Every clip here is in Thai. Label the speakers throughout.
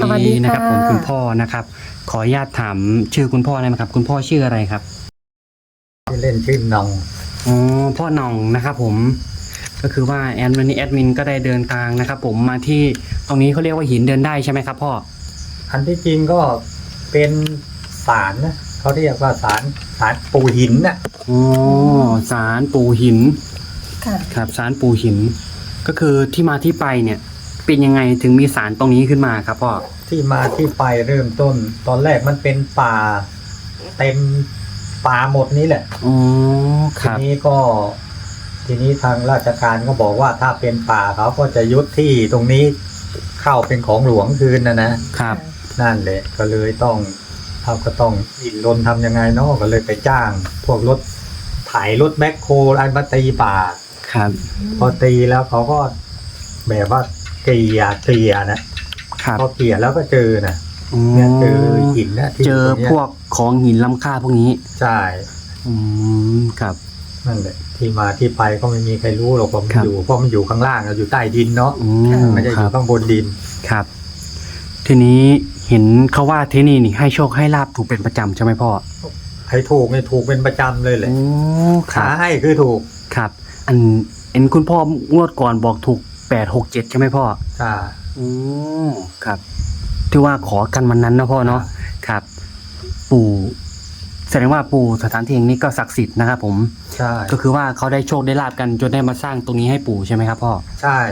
Speaker 1: สวัสดี
Speaker 2: นะครับผมคุณพ่อ
Speaker 1: ค่ะ
Speaker 2: นะครับขออนุญาตถามชื่อคุณพ่อได้ไหมครับคุณพ่อชื่ออะไรครับ
Speaker 3: ที่เล่นชื่อน้อง
Speaker 2: อ๋อพ่อหน่องนะครับผมก็คือว่าวันนี้แอดมินก็ได้เดินทางนะครับผมมาที่ตรงนี้เขาเรียกว่าหินเดินได้ใช่ไหมครับพ่อ
Speaker 3: อันที่จริงก็เป็นศาลนะเขาเรียกว่าศาลปู่หินนะ
Speaker 2: อ๋อศาลปู่หิน
Speaker 1: ค่ะ
Speaker 2: ครับศาลปู่หินก็คือที่มาที่ไปเนี่ยเป็นยังไงถึงมีศาลตรงนี้ขึ้นมาครับพ่อ
Speaker 3: ที่มาที่ไปเริ่มต้น ตอนแรกมันเป็นป่าเต็มป่าหมดนี้แหละ
Speaker 2: อ๋อค
Speaker 3: ที
Speaker 2: รับ
Speaker 3: นี้ทางราชการก็บอกว่าถ้าเป็นป่าเขาก็จะยุดที่ตรงนี้เข้าเป็นของหลวงคืนนะครับนั่นแหละก็เลยต้องเขาก็ต้องอินรนทำยังไงเนาะก็เลยไปจ้าง พวกรถไถรถแมคโครอะไรมาตีป่า
Speaker 2: ครับ
Speaker 3: พอตีแล้วเขาก็แบบว่าเกลี่ยนะครับพอเกลี่ยแล้วก็เจอนะเนี่ยเจอหินนะที่
Speaker 2: เจอพวกของหินล้ำค่าพวกนี้
Speaker 3: ใช่
Speaker 2: ครับ
Speaker 3: นั่นแหละที่มาที่ไปก็ไม่มีใครรู้หรอกว่ามันอยู่เพราะมันอยู่ข้างล่างอยู่ใต้ดินเนาะไม่ได้อยู่ข้างบนดิน
Speaker 2: ครับทีนี้เห็นเขาว่าที่นี่นี่ให้โชคให้ลาบถูกเป็นประจำใช่ไหมพ่อ
Speaker 3: ให้ถูกเนี่ยถูกเป็นประจำเลยแหละขาให้คือถูก
Speaker 2: ครับอันคุณพ่องวดก่อนบอกถูก867ใช่ไหมพ่อ
Speaker 3: ใช่
Speaker 2: ครับที่ว่าขอกันวันนั้นนะพ่อเนาะครับปู่แสดงว่าปู่สถานที่แห่งนี้ก็ศักดิ์สิทธิ์นะครับผม
Speaker 3: ใช่
Speaker 2: ก็คือว่าเขาได้โชคได้ลาบกันจนได้มาสร้างตรงนี้ให้ปู่ใช่ไหมครับพ่อ
Speaker 3: ใช่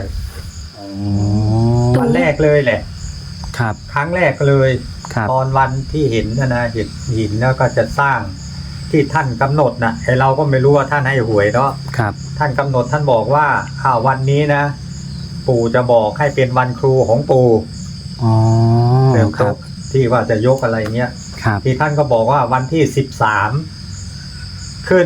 Speaker 3: วันแรกเลยแหละ
Speaker 2: ครับ
Speaker 3: ครั้งแรกเลยตอนวันที่เห็นนะเห็นหินแล้วก็จะสร้างที่ท่านกำหนดนะไอเราก็ไม่รู้ว่าท่านให้หวยเนาะ
Speaker 2: ครับ
Speaker 3: ท่านกำหนดท่านบอกว่าวันนี้นะปู่จะบอกให้เป็นวันครูของปู่เริ่มต้นที่ว่าจะยกอะไรเงี้ยที่ท่านก็บอกว่าวันที่13ขึ้น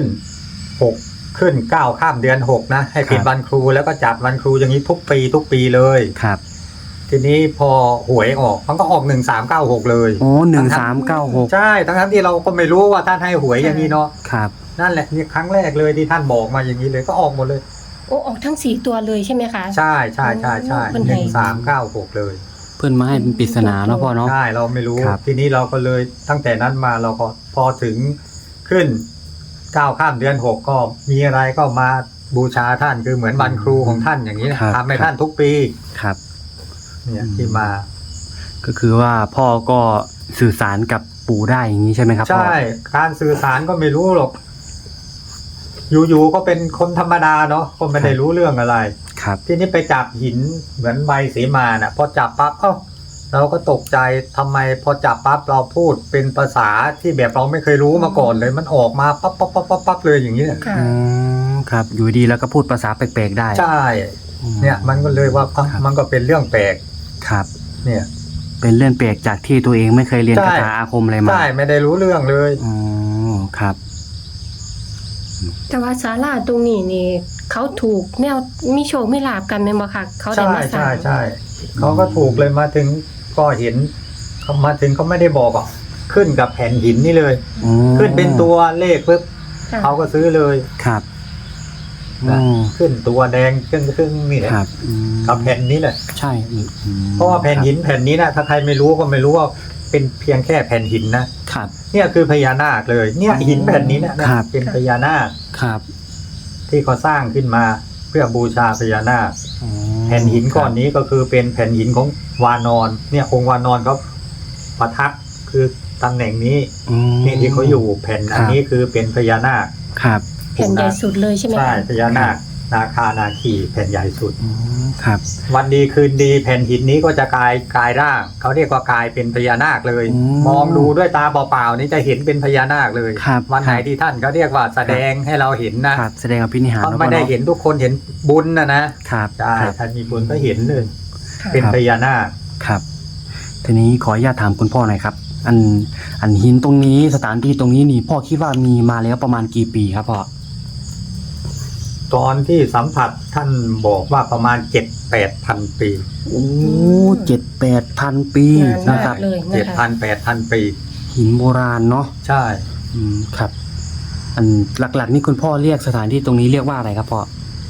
Speaker 3: 9ข้ามเดือน6นะให้เป็นวันครูแล้วก็จัดวันครูอย่างนี้ทุกปีเลย
Speaker 2: ครับ
Speaker 3: ทีนี้พอหวยออกมันก็ออก1396เลย
Speaker 2: โอ้1396
Speaker 3: ใช่ทั้งที่เราก็ไม่รู้ว่าท่านให้หวยอย่างนี้เนาะ
Speaker 2: ครับ
Speaker 3: นั่นแหละนี่ครั้งแรกเลยที่ท่านบอกมาอย่างนี้เลยก็ออกหมดเลย
Speaker 1: โอ้ออกทั้ง4ตัวเลยใช่ไหมคะ
Speaker 3: ใช่1396เลย
Speaker 2: เพื่อนมาให้เป็นปริศนาเนาะพ่อเนาะ
Speaker 3: ใช่เราไม่รู้ทีนี้เราก็เลยตั้งแต่นั้นมาเราก็พอถึงขึ้น9ข้ามเดือน6ก็มีอะไรก็มาบูชาท่านคือเหมือนวันครูของท่านอย่างนี้ทำให้ท่านทุกปี
Speaker 2: ครับ
Speaker 3: เนี่ยที่มา
Speaker 2: ก็คือว่าพ่อก็สื่อสารกับปู่ได้อย่างนี้ใช่ไหมครับ
Speaker 3: ใช่การสื่อสารก็ไม่รู้หรอกอยู่ๆก็เป็นคนธรรมดาเนาะก็ไม่ได้รู้เรื่องอะไร
Speaker 2: ครับ
Speaker 3: ทีนี้ไปจับหินเหมือนใบเสมาน่ะพอจับปั๊บเราก็ตกใจทำไมพอจับปั๊บเราพูดเป็นภาษาที่แบบเราไม่เคยรู้มาก่อนเลยมันออกมาปั๊บเลยอย่างนี้
Speaker 2: ครับอยู่ดีแล้วก็พูดภาษาแปลกๆได้
Speaker 3: ใช่เนี่ยมันก็เลยว่ามันก็เป็นเรื่องแปลก
Speaker 2: ครับ
Speaker 3: เนี่ย
Speaker 2: เป็นเรื่องแปลกจากที่ตัวเองไม่เคยเรียนคาถาอาคมอะไรมา
Speaker 3: ใช่ไม่ได้รู้เรื่องเลย
Speaker 2: ครับ
Speaker 1: แต่ว่าศาลาตรงนี้นี่เขาถูกแนวมีโชคไม่ลาบกันไหมบ่ค่ะเขาได้มาสร้าง
Speaker 3: ใช่เขาก็ถูกเลยมาถึงก็เห็นเขามาถึงเขาไม่ได้บอกอ่ะขึ้นกับแผ่นหินนี่เลยขึ้นเป็นตัวเลขปุ๊บเขาก็ซื้อเลย
Speaker 2: ครับ
Speaker 3: ขึ้นตัวแดงครึ่งนี่แหละกับแผ่นนี้แหละ
Speaker 2: ใช่
Speaker 3: เพราะว่าแผ่นหินแผ่นนี้นะถ้าใครไม่รู้ก็ไม่รู้ว่าเป็นเพียงแค่แผ่นหินนะครับเนี่ยคือพญานาคเลยเนี่ยหินแผ่นนี้นะเป็นพญานาค
Speaker 2: ครับ
Speaker 3: ที่เขาสร้างขึ้นมาเพื่อบูชาพญานาคแผ่นหินก้อนนี้ก็คือเป็นแผ่นหินของวานอนเนี่ยองค์วานอนเขาประทับคือตำแหน่งนี้นี่ที่เขาอยู่แผ่นอันนี้คือเป็นพญานาค
Speaker 2: ครับ
Speaker 1: แผ่นใหญ่สุดเลยใช่ไหม
Speaker 3: ใช่พญานาคนาคานาคีแผ่นใหญ่สุด
Speaker 2: ครับ
Speaker 3: วันดีคืนดีแผ่นหินนี้ก็จะกลายร่างเขาเรียกว่ากลายเป็นพญานาคเลยมองดูด้วยตาเปล่าๆนี่จะเห็นเป็นพญานาคเลยวันไหนที่ท่านเขาเรียกว่าแสดงให้เราเห็นนะ
Speaker 2: แสดงอภินิหาร
Speaker 3: เขาไม่ได้เห็นทุกคนเห็นบุญนะครับใช่ท่านมีบุญก็เห็นเลยเป็นพญานาค
Speaker 2: ครับทีนี้ขออนุญาตถามคุณพ่อหน่อยครับอันหินตรงนี้สถานที่ตรงนี้นี่พ่อคิดว่ามีมาแล้วประมาณกี่ปีครับพ่อ
Speaker 3: ตอนที่สัมผัสท่านบอกว่าประมาณ 7-8,000 ปี
Speaker 2: โอ้7-8,000 ปีนะครับ
Speaker 3: 7,000-8,000 ปี
Speaker 2: หินโบราณเนาะ
Speaker 3: ใช่
Speaker 2: ครับอันหลักๆนี่คุณพ่อเรียกสถานที่ตรงนี้เรียกว่าอะไรครับพ่อ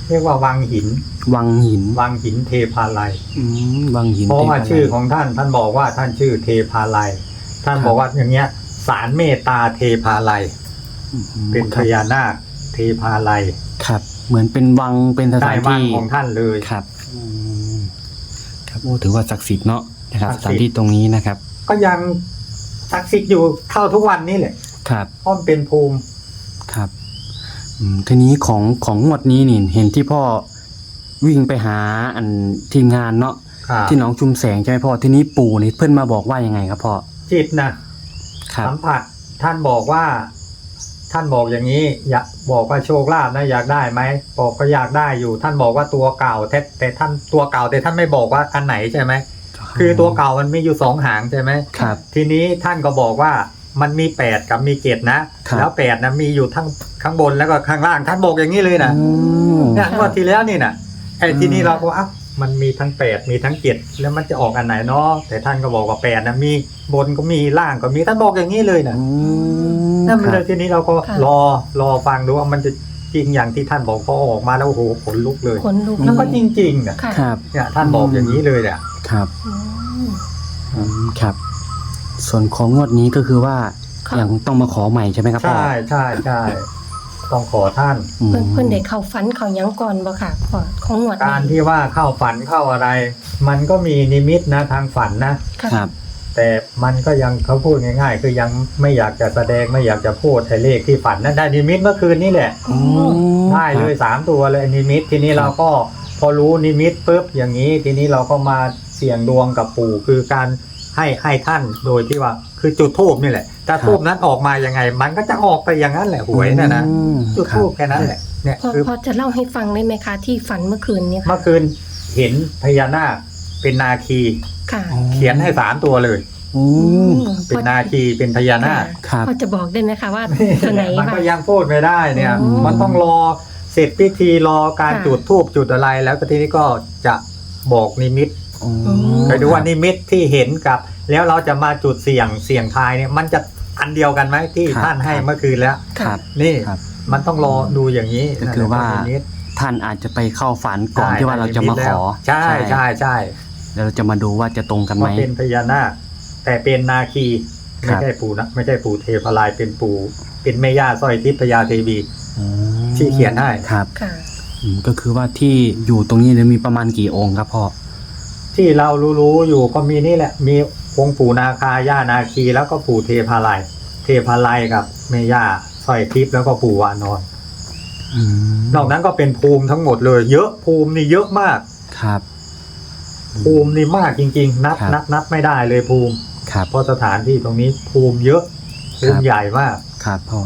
Speaker 3: เรียกว่าวังหิน
Speaker 2: วังหิน
Speaker 3: วังหินเทพาลัย
Speaker 2: วังหิน
Speaker 3: เพราะว่า
Speaker 2: ทพลัย
Speaker 3: ชื่อของท่านบอกว่าท่านชื่อเทพาลัยท่านบอกว่าอย่างเงี้ยศาลเมตตาเทพาลัยเป็นพญานาคเทพาลัย
Speaker 2: ครับ เหมือนเป็นวังเป็นสถาน
Speaker 3: ได้วัง
Speaker 2: ที่
Speaker 3: ของท่านเลย
Speaker 2: ครับครับโอ้ถือว่าศักดิ์สิทธิ์เนาะนะครับ
Speaker 3: ศั
Speaker 2: ส
Speaker 3: กดิ์สิทธิ์
Speaker 2: ถานที่ตรงนี้นะครับ
Speaker 3: ก็ยังศักดิ์สิทธิ์อยู่เท่าทุกวันนี้แหละ
Speaker 2: ครับ
Speaker 3: เพราะมันเป็นภูมิ
Speaker 2: ครับทีนี้ของงวดนี้นี่เห็นที่พ่อวิ่งไปหาอันทีมงานเนาะที่หนองชุมแสงใช่ไหมพ่อทีนี้ปู่นี่เพื่อนมาบอกว่ายังไงครับพ่อ
Speaker 3: จิตนะครับ สัมผัสท่านบอกว่า ท่านบอกอย่างนี้อยากบอกว่าโชคลาภนะอยากได้ไหมบอกก็อยากได้อยู่ ท่านบอกว่าตัวเก่าแต่ท่านตัวเก่าแต่ท่านไม่บอกว่าอันไหนใช่ไหมคือตัวเก่ามันมีอยู่2 หางใช่ไหม
Speaker 2: ครับ
Speaker 3: ทีนี้ท่านก็บอกว่ามันมี8กับมี7นะครับ แล้ว8นะมีอยู่ทั้งข้างบนแล้วก็ข้างล่างท่านบอกอย่างนี้เลยนะเนี่ยงวดที่แล้วนี่นะไอ้ทีนี้เราก็มันมีทั้ง8มีทั้ง7แล้วมันจะออกอันไหนเนาะแต่ท่านก็บอกว่า8นะมีบนก็มีล่างก็มีท่านบอกอย่างนี้เลยนะนั่นเลยทีนี้เราก็รอฟังดูว่ามันจะจริงอย่างที่ท่านบอกพอออกมาแล้วโอ้โหขนลุกเลย
Speaker 1: ขนลุก
Speaker 3: แล้วก็จริงๆนะครับ เนี่ยท่านบอกอย่างนี้เลยเนี่ย
Speaker 2: ครับครับ ส่วนของงวดนี้ก็คือว่าอย่างต้องมาขอใหม่ใช่ไหมครับพ่อ
Speaker 3: ใช่ต้องขอท่าน
Speaker 1: เพิ่นได้เข้าฝันเขาหยังก่อนบ่ค่ะของหนวด
Speaker 3: การที่ว่าเข้าฝันเข้าอะไร มันก็มีนิมิตนะทางฝันนะ
Speaker 2: ครับ
Speaker 3: แต่มันก็ยังเขาพูดง่ายๆ คือยังไม่อยากจะแสดงไม่อยากจะพูดไอ้เลขที่ฝันนั้นได้นิมิตเมื่อคืนนี่แหละได้เลย3 ตัวเลยนิมิตทีนี้เราก็พอรู้นิมิตปุ๊บอย่างนี้ทีนี้เราก็มาเสี่ยงดวงกับปู่คือการให้ท่านโดยที่ว่าคือจุดธูปนี่แหละถ้าธูปนั้นออกมายังไง มันก็จะออกไปอย่างนั้นแหละหวยน่ะนะจุดธูปแค่นั้นแหละเนี่ยคือ
Speaker 1: พอจะเล่าให้ฟังได้ไหมคะที่ฝันเมื่อคืนนี้ค่ะ
Speaker 3: เมื่อคืนเห็นพญานาคเป็นนาคี
Speaker 1: ค่ะ
Speaker 3: เขียนให้3 ตัวเลยเป็นนาคีเป็นพญานาค
Speaker 2: ครับ
Speaker 1: พอจะบอกได้ไหมคะว่าตัวไหน
Speaker 3: มัน
Speaker 1: บ้าง
Speaker 3: ก็ยังพูดไม่ได้เนี่ย
Speaker 1: อ๋อ
Speaker 3: มันต้องรอเสร็จพิธีรอการ
Speaker 1: ค่ะ
Speaker 3: จุดธูปจุดอะไรแล้วก็ทีนี้ก็จะบอกนิมิต
Speaker 1: ม
Speaker 3: ไปดูว่านิมิตที่เห็นกับ แล้วเราจะมาจุดเสี่ยงทายเนี่ยมันจะอันเดียวกันไหมที่
Speaker 2: ครับ
Speaker 3: ท่านให้เมื่อคืนแล้ว
Speaker 2: ครับ
Speaker 3: นี่
Speaker 2: ครับ
Speaker 3: มันต้องรอดูอย่างนี้
Speaker 2: ก็คือว่า
Speaker 3: นิมิต
Speaker 2: ท่านอาจจะไปเข้าฝันก่อนที่ว่าเราจะมาขอ
Speaker 3: ใช่
Speaker 2: แล้วเราจะมาดูว่าจะตรงกันไหม
Speaker 3: ว่าเป็นพญานาคแต่เป็นนาคี
Speaker 2: ครั
Speaker 3: ไม่
Speaker 2: บ
Speaker 3: ใช่ปู่นะไม่ใช่ปู่เทพลายเป็นปู่เป็นแม่ย่าสร้อยทิพย์พญาเทวีที่เขียนให้
Speaker 2: ครับ
Speaker 1: ค่ะ
Speaker 2: ก็คือว่าที่อยู่ตรงนี้เนี่ยมีประมาณกี่องค์ครับพ่อ
Speaker 3: ที่เรารู้อยู่ก็มีนี่แหละมีองค์ปู่นาคาย่านาคีแล้วก็ปู่เทพาลัยกับแม่ย่าสร้อยทิพย์แล้วก็ปู่วานอนนอกนั้นก็เป็นภูมิทั้งหมดเลย เยอะภูมินี่เยอะมาก
Speaker 2: ครับ
Speaker 3: ภูมินี่มากจริงๆนับไม่ได้เลยภูมิ
Speaker 2: ครับ
Speaker 3: เพราะสถานที่ตรงนี้ภูมิเยอะภูมิใหญ่มาก
Speaker 2: ครับพ่อ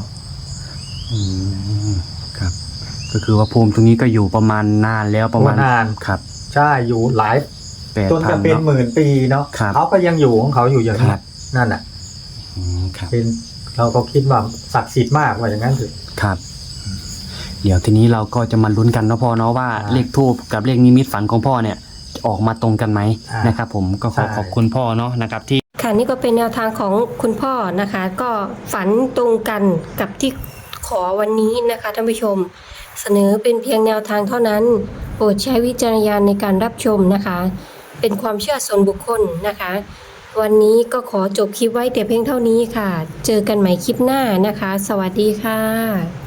Speaker 2: ครับ ก็คือว่าภูมิตรงนี้ก็อยู่ประมาณนานแล้วประมาณ
Speaker 3: นาน
Speaker 2: ครับ
Speaker 3: ใช่อยู่หลาย
Speaker 2: 8,000
Speaker 3: จนจะเป็น
Speaker 2: เนาะ
Speaker 3: หมื่นปีเนาะ
Speaker 2: ครับ
Speaker 3: เขาก็ยังอยู่ของเขาอยู่อย่าง
Speaker 2: ค
Speaker 3: นี้
Speaker 2: รับ
Speaker 3: นั่นน่ะ
Speaker 2: ครับ
Speaker 3: เป็นเราก็คิดว่าศักดิ์สิทธิ์มากว่าอย่างนั้นเถอะ
Speaker 2: ครับ เดี๋ยวทีนี้เราก็จะมาลุ้นกันเนาะพ่อเนาะว่า
Speaker 3: อ่า
Speaker 2: เลขทูบกับเลขนิมิตฝันของพ่อเนี่ยจะออกมาตรงกันไหม
Speaker 3: อ่าน
Speaker 2: นะครับ ผมก็ขอ
Speaker 3: ใช่
Speaker 2: ขอบคุณพ่อเนาะนะครับที่
Speaker 1: ค่ะนี่ก็เป็นแนวทางของคุณพ่อนะคะ ก็ฝันตรงกันกับที่ขอวันนี้นะคะท่านผู้ชม เสนอเป็นเพียงแนวทางเท่านั้น โปรดใช้วิจารณญาณในการรับชมนะคะ เป็นความเชื่อส่วนบุคคลนะคะ วันนี้ก็ขอจบคลิปไว้แต่เพียงเท่านี้ค่ะ เจอกันใหม่คลิปหน้านะคะ สวัสดีค่ะ